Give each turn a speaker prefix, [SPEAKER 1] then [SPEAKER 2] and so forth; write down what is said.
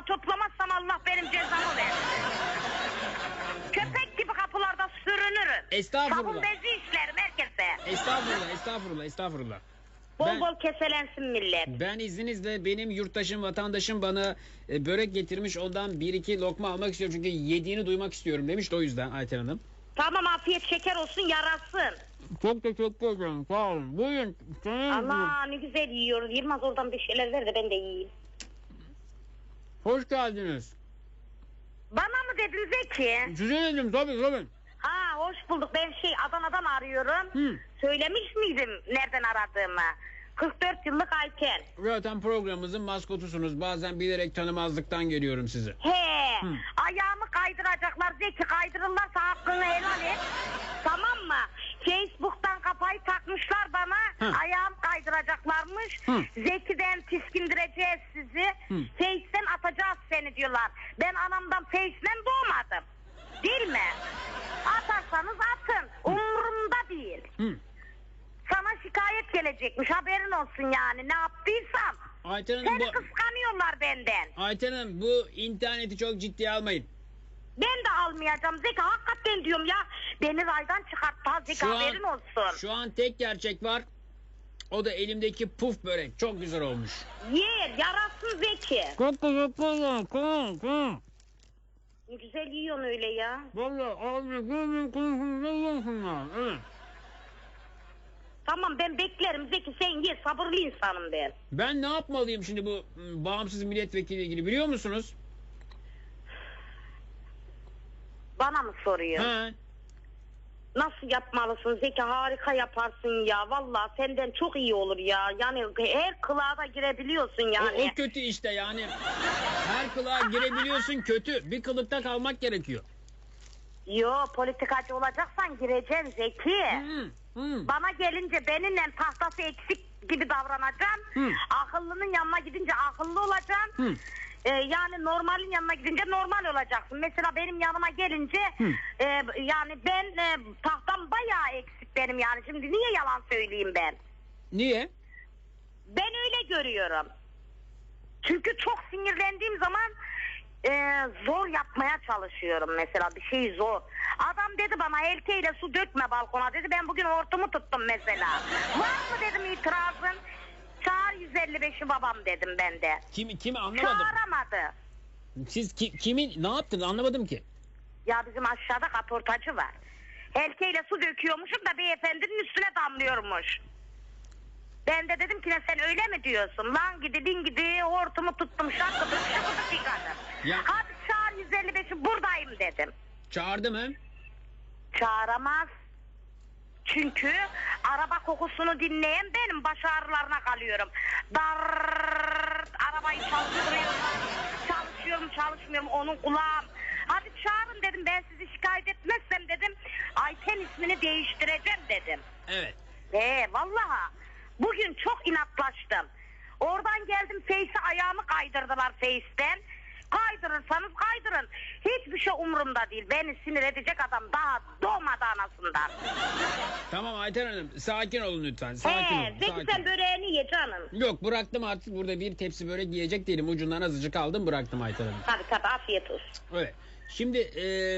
[SPEAKER 1] toplamazsam Allah benim cezamı versin. Köpek gibi kapılarda sürünürüm.
[SPEAKER 2] Estağfurullah.
[SPEAKER 1] Sabun bezi işlerim herkese.
[SPEAKER 2] Estağfurullah.
[SPEAKER 1] Bol bol keselensin millet.
[SPEAKER 2] Ben izninizle benim yurttaşım, vatandaşım bana börek getirmiş. Ondan bir iki lokma almak istiyorum. Çünkü yediğini duymak istiyorum demiş de o yüzden Ayten Hanım.
[SPEAKER 1] Tamam, afiyet şeker olsun, yarasın.
[SPEAKER 2] Çok teşekkür ederim. Sağ olun. Buyurun.
[SPEAKER 1] Allah ne güzel yiyoruz. Yılmaz oradan bir şeyler ver de ben de yiyeyim.
[SPEAKER 2] Hoş geldiniz.
[SPEAKER 1] Bana mı dedin Zeki?
[SPEAKER 2] Size dedim tabii.
[SPEAKER 1] Ha, hoş bulduk. Ben Adana'dan arıyorum. Söylemiş miydim nereden aradığımı? 44 yıllık Ayten.
[SPEAKER 2] Zaten programımızın maskotusunuz. Bazen bilerek tanımazlıktan geliyorum size.
[SPEAKER 1] Ayağımı kaydıracaklar Zeki, kaydırırlarsa hakkını helal et. Tamam mı? Facebook'tan kafayı takmışlar bana. Ayağım kaydıracaklarmış. Zeki'den tiskindireceğiz sizi. Face'den atacağız seni diyorlar. Ben anamdan Face'den doğmadım. Değil mi? Atarsanız atın. Umurumda değil. Sana şikayet gelecekmiş, haberin olsun yani, ne yaptıysam.
[SPEAKER 2] Ayten Hanım,
[SPEAKER 1] Seni kıskanıyorlar benden.
[SPEAKER 2] Ayten Hanım, bu interneti çok ciddiye almayın.
[SPEAKER 1] Ben de almayacağım Zeki, hakikaten diyorum ya. Beni raydan çıkarttı Zeki, haberin olsun.
[SPEAKER 2] Şu an tek gerçek var. O da elimdeki puf börek. Çok güzel olmuş.
[SPEAKER 1] Ye, yarasın Zeki.
[SPEAKER 2] Çok güzel.
[SPEAKER 1] Ne güzel yiyorsun öyle ya.
[SPEAKER 2] Vallahi abi gözüm konusunda yiyorsunlar. Evet.
[SPEAKER 1] Tamam, ben beklerim Zeki, sen ye, sabırlı insanım ben.
[SPEAKER 2] Ben ne yapmalıyım şimdi bu bağımsız milletvekili ilgili biliyor musunuz?
[SPEAKER 1] Bana mı soruyor?
[SPEAKER 2] He.
[SPEAKER 1] Nasıl yapmalısın Zeki, harika yaparsın ya. Vallahi senden çok iyi olur ya. Yani her kılığa da girebiliyorsun yani.
[SPEAKER 2] O kötü işte yani. Her kılığa girebiliyorsun kötü. Bir kılıkta kalmak gerekiyor.
[SPEAKER 1] Yo, politikacı olacaksan gireceksin Zeki. Bana gelince benimle tahtası eksik gibi davranacağım. Akıllının yanına gidince akıllı olacaksın. Yani normalin yanına gidince normal olacaksın. Mesela benim yanıma gelince yani ben tahtam bayağı eksik benim yani. Şimdi niye yalan söyleyeyim ben?
[SPEAKER 2] Niye?
[SPEAKER 1] Ben öyle görüyorum. Çünkü çok sinirlendiğim zaman zor yapmaya çalışıyorum mesela, bir şey zor. Adam dedi bana elkeyle su dökme balkona dedi, ben bugün hortumu tuttum mesela. Var mı dedim itirazın? Çağır 155'i babam dedim ben de.
[SPEAKER 2] Kimi anlamadım.
[SPEAKER 1] Çağıramadı.
[SPEAKER 2] Siz kimi ne yaptınız anlamadım ki.
[SPEAKER 1] Ya bizim aşağıda kaportacı var. Elkeyle su döküyormuşum da beyefendinin üstüne damlıyormuş. Ben de dedim ki sen öyle mi diyorsun? Lan gidi bin gidi hortumu tuttum, şakıdık yıkadım. Hadi çağır 155'i, buradayım dedim.
[SPEAKER 2] Çağırdı mı?
[SPEAKER 1] Çağıramaz. Çünkü araba kokusunu dinleyen benim, baş ağrılarına kalıyorum. Arabayı çalışmıyorum onun kulağım. Hadi çağırın dedim, ben sizi şikayet etmezsem dedim Ayten ismini değiştireceğim dedim.
[SPEAKER 2] Evet.
[SPEAKER 1] Vallahi bugün çok inatlaştım. Oradan geldim Face'e, ayağımı kaydırdılar Face'ten. Kaydırırsanız kaydırın. Hiçbir şey umurumda değil. Beni sinir edecek adam daha doğmadı anasından.
[SPEAKER 2] Tamam Ayten Hanım, sakin olun lütfen. Sakin olun.
[SPEAKER 1] Zeki sen böreğini ye canım.
[SPEAKER 2] Yok, bıraktım artık, burada bir tepsi börek yiyecek değilim. Ucundan azıcık aldım, bıraktım Ayten Hanım.
[SPEAKER 1] Tabii afiyet olsun.
[SPEAKER 2] Evet. Şimdi